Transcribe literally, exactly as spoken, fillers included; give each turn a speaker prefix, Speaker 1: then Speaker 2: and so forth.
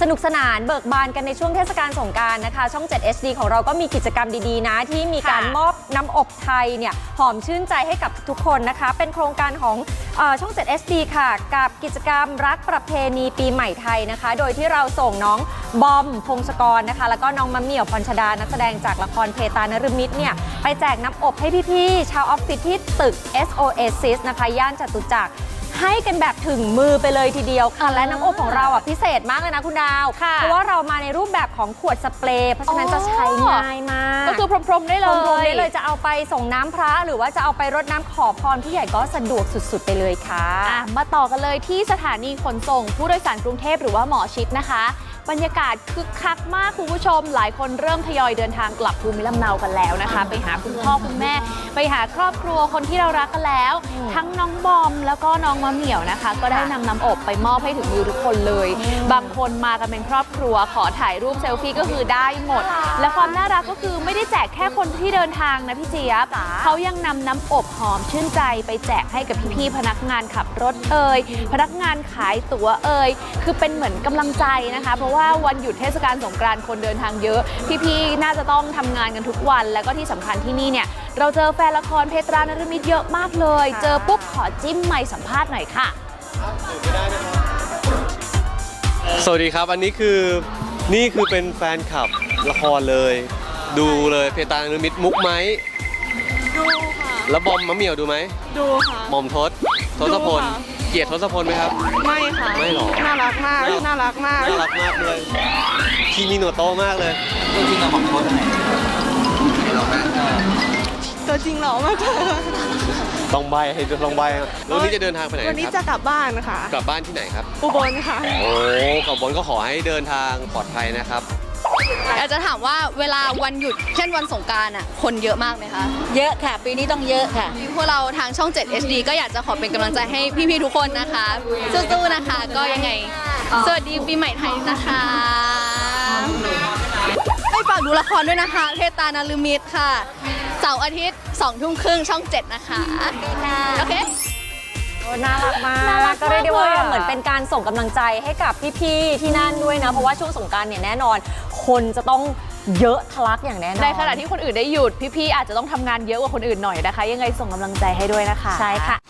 Speaker 1: นุกสนานเบิกบานกันในช่วงเทศกาลสงกรานต์นะคะช่อง เจ็ด เอช ดี ของเราก็มีกิจกรรมดีๆนะที่มีการมอบน้ำอบไทยเนี่ยหอมชื่นใจให้กับทุกคนนะคะเป็นโครงการของเอ่อช่อง เจ็ด เอช ดี ค่ะกับกิจกรรมรักประเพณีปีใหม่ไทยนะคะโดยที่เราส่งน้องบอมพงศกรนะคะแล้วก็น้องมะเหมี่ยวพรชดานักแสดงจากละครเพตานฤมิตรเนี่ยไปแจกน้ำอบให้พี่ๆชาวออฟฟิศที่ตึก เอส โอ เอซิส นะคะย่านจตุจักรให้กันแบบถึงมือไปเลยทีเดียวค่ะและน้ำอบของเราอ่ะพิเศษมากเลยนะคุณดาวเพราะว่าเรามาในรูปแบบของขวดสเปรย์เพราะฉะนั้นจะใช้ง่ายมาก
Speaker 2: ก็คือพรมๆได้เลย
Speaker 1: พรมๆได้เลยจะเอาไปส่งน้ำพระหรือว่าจะเอาไปรดน้ำขอพรผู้ใหญ่ก็สะดวกสุดๆไปเลยค่ะ
Speaker 2: อ่ะมาต่อกันเลยที่สถานีขนส่งผู้โดยสารกรุงเทพหรือว่าหมอชิดนะคะบรรยากาศคึกคักมากคุณผู้ชมหลายคนเริ่มทยอยเดินทางกลับภูมิลำเนากันแล้วนะคะไปหาคุณพ่อคุณแม่ไปหาครอบครัวคนที่เรารักกันแล้วทั้งน้องบอมแล้วก็น้องมะเหมี่ยวนะคะก็ได้นำน้ำอบไปมอบให้ถึงมือทุกคนเลยบางคนมากันเป็นครอบครัวขอถ่ายรูปเซลฟี่ก็คือได้หมดและความน่ารักก็คือไม่ได้แจกแค่คนที่เดินทางนะพี่เจี๊ยบเขายังนำน้ำอบหอมชื่นใจไปแจกให้กับพี่ๆพนักงานขับรถเอ่ยพนักงานขายตั๋วเอ่ยคือเป็นเหมือนกำลังใจนะคะเพราะว่าวันหยุดเทศกาลสงกรานต์คนเดินทางเยอะพี่ๆน่าจะต้องทำงานกันทุกวันแล้วก็ที่สำคัญที่นี่เนี่ยเราเจอแฟนละครเพตรานฤมิตรเยอะมากเลยเจอปุ๊บขอจิ้มไมค์สัมภาษณ์หน่อยค่ะ
Speaker 3: สวัสดีครับอันนี้คือนี่คือเป็นแฟนคลับละครเลยดูเลยเพตรานฤมิตรมุกไหม
Speaker 4: ดูค่ะ
Speaker 3: แล้วบอมมะเหมี่ยวดูไหม
Speaker 4: ดูค่ะ
Speaker 3: หม่อมทศทศพลเกลียรติทศพลไหมครับ
Speaker 4: ไม่ค่ะ
Speaker 3: ไม่หรอ
Speaker 4: น่ารักมากน่ารักมาก
Speaker 3: น่ารักมากเลยคีมิโนโตะมากเลย
Speaker 5: ตัวจริงเราหม่อมทศไหนหล่อมาก
Speaker 4: ตัวจริงหล่อมากเลย
Speaker 3: ต้องใบให้ลองใบแล้ววันนี้จะเดินทางไปไหนครับ
Speaker 4: วันนี้จะกลับบ้านค่ะ
Speaker 3: กลับบ้านที่ไหนครับ
Speaker 4: อุบลค่ะ
Speaker 3: โอ้กลับบนก็ขอให้เดินทางปลอดภัยนะครับ
Speaker 6: อยากจะถามว่าเวลาวันหยุดเช่นวันสงกรานต์อ่ะคนเยอะมากไหมคะ
Speaker 7: เยอะค่ะปีนี้ต้องเยอะค่ะ
Speaker 6: พวกเราทางช่อง เจ็ด เอช ดี ก็อยากจะขอเป็นกำลังใจให้พี่ๆทุกคนนะคะสู้ๆนะคะก็ยังไงสวัสดีปีใหม่ไทยนะคะให้ฝากดูละครด้วยนะคะเพตานฤมิตรค่ะเสาร์อาทิตย์สองทุ่มครึ่งช่องเจ็ดนะคะโอเค
Speaker 1: น่ารักมากก็เรียกได้ว่าเหมือนเป็นการส่งกำลังใจให้กับพี่ๆที่นั่นด้วยนะเพราะว่าช่วงสงกรานต์เนี่ยแน่นอนคนจะต้องเยอะทะลักอย่างแน่นอน
Speaker 2: ในขณะที่คนอื่นได้หยุดพี่ๆอาจจะต้องทำงานเยอะกว่าคนอื่นหน่อยนะคะยังไงส่งกำลังใจให้ด้วยนะคะ
Speaker 1: ใช่ค่ะ